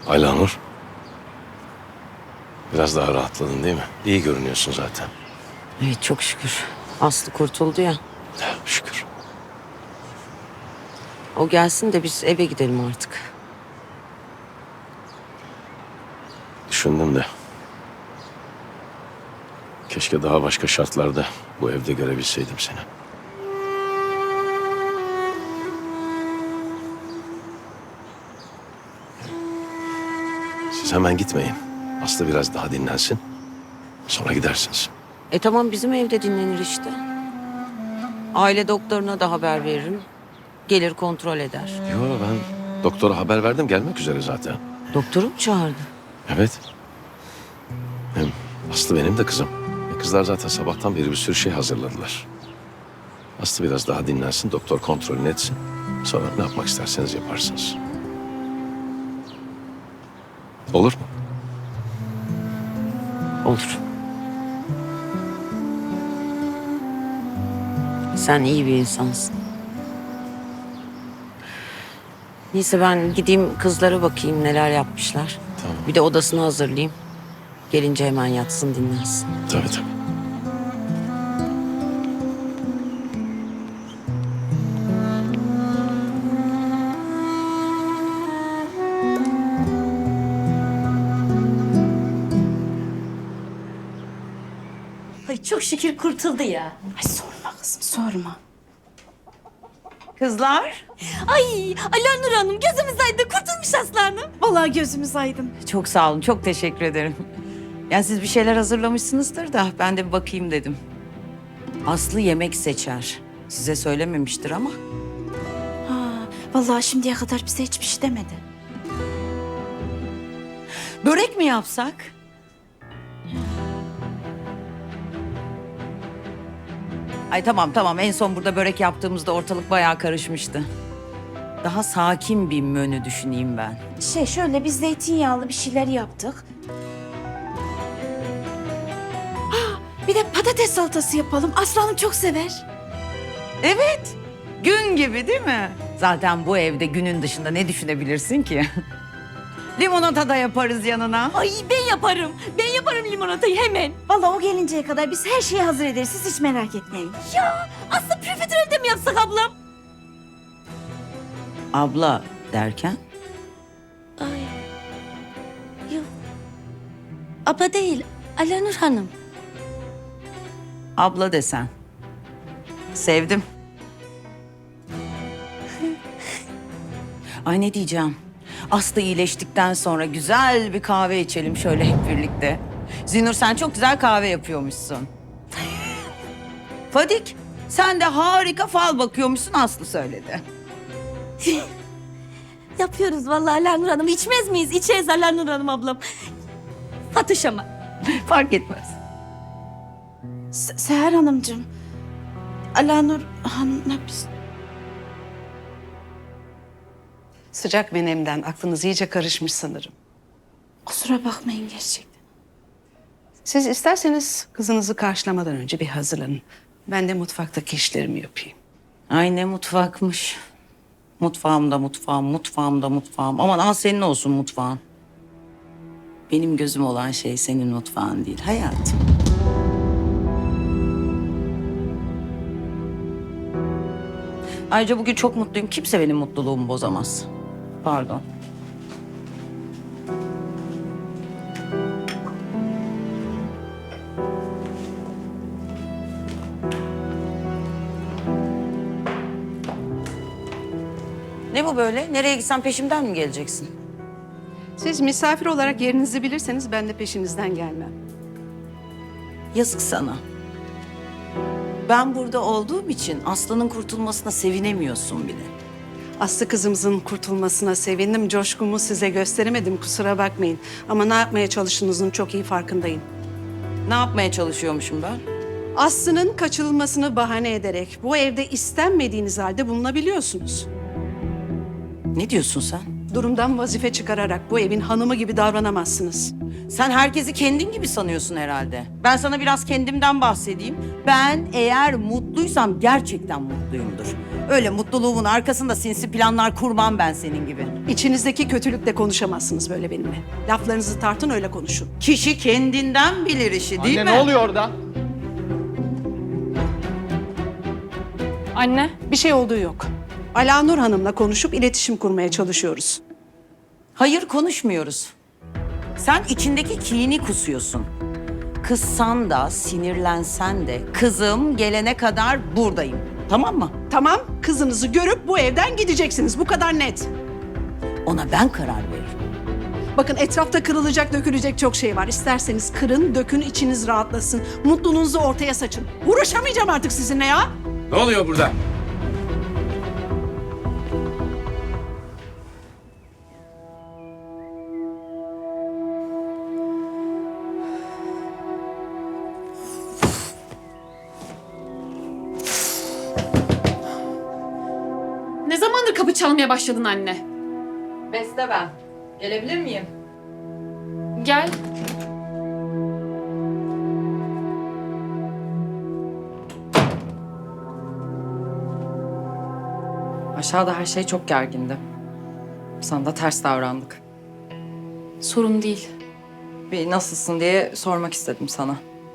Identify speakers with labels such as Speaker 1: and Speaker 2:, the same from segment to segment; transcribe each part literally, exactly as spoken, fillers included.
Speaker 1: Aylanur. Biraz daha rahatladın değil mi? İyi görünüyorsun zaten.
Speaker 2: Evet çok şükür. Aslı kurtuldu ya.
Speaker 1: Ya, şükür.
Speaker 2: O gelsin de biz eve gidelim artık.
Speaker 1: Düşündüm de. Keşke daha başka şartlarda bu evde görebilseydim seni. Siz hemen gitmeyin. Aslı biraz daha dinlensin. Sonra gidersiniz.
Speaker 2: E tamam bizim evde dinlenir işte. Aile doktoruna da haber veririm. Gelir kontrol eder.
Speaker 1: Yo, ben doktora haber verdim, gelmek üzere zaten.
Speaker 2: Doktoru mu çağırdı?
Speaker 1: Evet. Hem Aslı benim de kızım. E, kızlar zaten sabahtan beri bir sürü şey hazırladılar. Aslı biraz daha dinlensin, doktor kontrolünü etsin. Sonra ne yapmak isterseniz yaparsınız. Olur mu?
Speaker 2: Olur. Sen iyi bir insansın. Neyse ben gideyim kızlara bakayım neler yapmışlar.
Speaker 1: Tamam.
Speaker 2: Bir de odasını hazırlayayım. Gelince hemen yatsın dinlensin.
Speaker 1: Tabii tabii.
Speaker 3: Ay çok şükür kurtuldu ya.
Speaker 4: Ay sorma kızım sorma.
Speaker 2: Kızlar.
Speaker 3: Ay Alanur Hanım gözümüz aydın kurtulmuş Aslı Hanım.
Speaker 4: Vallahi gözümüz aydın.
Speaker 2: Çok sağ olun, çok teşekkür ederim. Yani siz bir şeyler hazırlamışsınızdır da ben de bir bakayım dedim. Aslı yemek seçer. Size söylememiştir ama.
Speaker 4: Ha, vallahi şimdiye kadar bize hiçbir şey demedi.
Speaker 2: Börek mi yapsak? Ay tamam tamam en son burada börek yaptığımızda ortalık bayağı karışmıştı. Daha sakin bir menü düşüneyim ben.
Speaker 4: Şey şöyle biz zeytinyağlı bir şeyler yaptık. Ha, bir de patates salatası yapalım. Aslanım çok sever.
Speaker 2: Evet. Gün gibi değil mi? Zaten bu evde günün dışında ne düşünebilirsin ki? Limonata da yaparız yanına.
Speaker 3: Ay ben yaparım. Ben yaparım limonatayı hemen.
Speaker 4: Vallahi o gelinceye kadar biz her şeyi hazır ederiz. Siz hiç merak etmeyin.
Speaker 3: Ya Aslı profiterolde mi yapsak ablam?
Speaker 2: Abla derken?
Speaker 3: Ay. Yok. Abla değil. Alanur Hanım.
Speaker 2: Abla desen. Sevdim. Ay ne diyeceğim? Aslı iyileştikten sonra güzel bir kahve içelim şöyle hep birlikte. Zinur sen çok güzel kahve yapıyormuşsun. Fadik sen de harika fal bakıyormuşsun Aslı söyledi.
Speaker 3: Yapıyoruz vallahi Alanur Hanım. İçmez miyiz? İçeriz Alanur Hanım ablam. Fatış ama.
Speaker 2: Fark etmez.
Speaker 4: Se- Seher Hanımcığım. Alanur Hanım'la biz...
Speaker 5: Sıcak menemden aklınız iyice karışmış sanırım.
Speaker 4: Kusura bakmayın gerçekten.
Speaker 5: Siz isterseniz kızınızı karşılamadan önce bir hazırlanın. Ben de mutfaktaki işlerimi yapayım.
Speaker 2: Ay ne mutfakmış. Mutfağımda mutfağım, mutfağımda mutfağım. Aman al senin olsun mutfağın. Benim gözüm olan şey senin mutfağın değil hayatım. Ayrıca bugün çok mutluyum. Kimse benim mutluluğumu bozamaz. Pardon. Ne bu böyle? Nereye gitsen peşimden mi geleceksin?
Speaker 5: Siz misafir olarak yerinizi bilirseniz ben de peşinizden gelmem.
Speaker 2: Yazık sana. Ben burada olduğum için Aslı'nın kurtulmasına sevinemiyorsun bile.
Speaker 5: Aslı kızımızın kurtulmasına sevindim. Coşkumu size gösteremedim, kusura bakmayın. Ama ne yapmaya çalıştığınızın çok iyi farkındayım.
Speaker 2: Ne yapmaya çalışıyormuşum ben?
Speaker 5: Aslı'nın kaçırılmasını bahane ederek bu evde istenmediğiniz halde bulunabiliyorsunuz.
Speaker 2: Ne diyorsun sen?
Speaker 5: Durumdan vazife çıkararak bu evin hanımı gibi davranamazsınız.
Speaker 2: Sen herkesi kendin gibi sanıyorsun herhalde. Ben sana biraz kendimden bahsedeyim. Ben eğer mutluysam gerçekten mutluyumdur. Öyle mutluluğumun arkasında sinsi planlar kurmam ben senin gibi.
Speaker 5: İçinizdeki kötülükle konuşamazsınız böyle benimle. Laflarınızı tartın, öyle konuşun.
Speaker 2: Kişi kendinden bilir işi değil mi?
Speaker 6: Anne ne oluyor orada?
Speaker 4: Anne.
Speaker 5: Bir şey olduğu yok. Alanur Hanım'la konuşup iletişim kurmaya çalışıyoruz.
Speaker 2: Hayır konuşmuyoruz. Sen içindeki kini kusuyorsun. Kızsan da sinirlensen de kızım gelene kadar buradayım. Tamam mı?
Speaker 5: Tamam, kızınızı görüp bu evden gideceksiniz. Bu kadar net.
Speaker 2: Ona ben karar veririm.
Speaker 5: Bakın etrafta kırılacak, dökülecek çok şey var. İsterseniz kırın, dökün, içiniz rahatlasın. Mutluluğunuzu ortaya saçın. Uğraşamayacağım artık sizinle ya.
Speaker 1: Ne oluyor burada?
Speaker 4: Ne zamandır kapı çalmaya başladın anne?
Speaker 7: Beste ben. Gelebilir miyim?
Speaker 4: Gel.
Speaker 7: Aşağıda her şey çok gergindi. Sana da ters davrandık.
Speaker 4: Sorun değil.
Speaker 7: Bir nasılsın diye sormak istedim sana.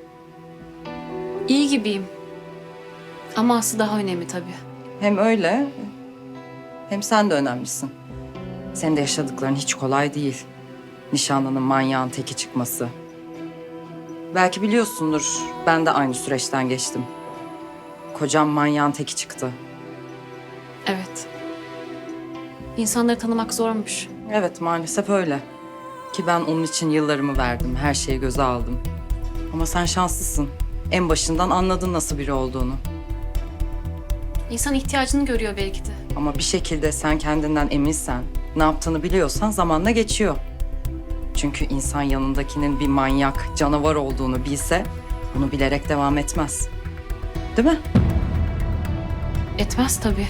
Speaker 4: İyi gibiyim. Ama Aslı daha önemli tabii.
Speaker 7: Hem öyle hem sen de önemlisin. Senin de yaşadıkların hiç kolay değil. Nişanlının manyağın teki çıkması. Belki biliyorsundur, ben de aynı süreçten geçtim. Kocam manyağın teki çıktı.
Speaker 4: Evet. İnsanları tanımak zormuş.
Speaker 7: Evet, maalesef öyle. Ki ben onun için yıllarımı verdim, her şeyi göze aldım. Ama sen şanslısın. En başından anladın nasıl biri olduğunu.
Speaker 4: İnsan ihtiyacını görüyor belki de.
Speaker 7: Ama bir şekilde sen kendinden eminsen, ne yaptığını biliyorsan zamanla geçiyor. Çünkü insan yanındakinin bir manyak, canavar olduğunu bilse bunu bilerek devam etmez. Değil mi?
Speaker 4: Etmez tabii.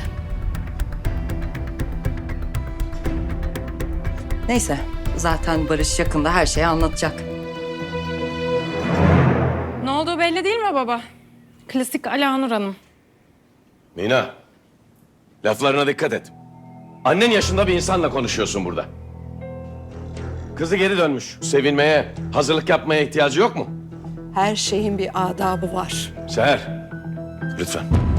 Speaker 7: Neyse, zaten Barış yakında her şeyi anlatacak.
Speaker 8: Ne olduğu belli değil mi baba? Klasik Alanur Hanım.
Speaker 1: Mina, laflarına dikkat et. Annen yaşında bir insanla konuşuyorsun burada. Kızı geri dönmüş. Sevinmeye, hazırlık yapmaya ihtiyacı yok mu?
Speaker 5: Her şeyin bir adabı var.
Speaker 1: Seher, lütfen.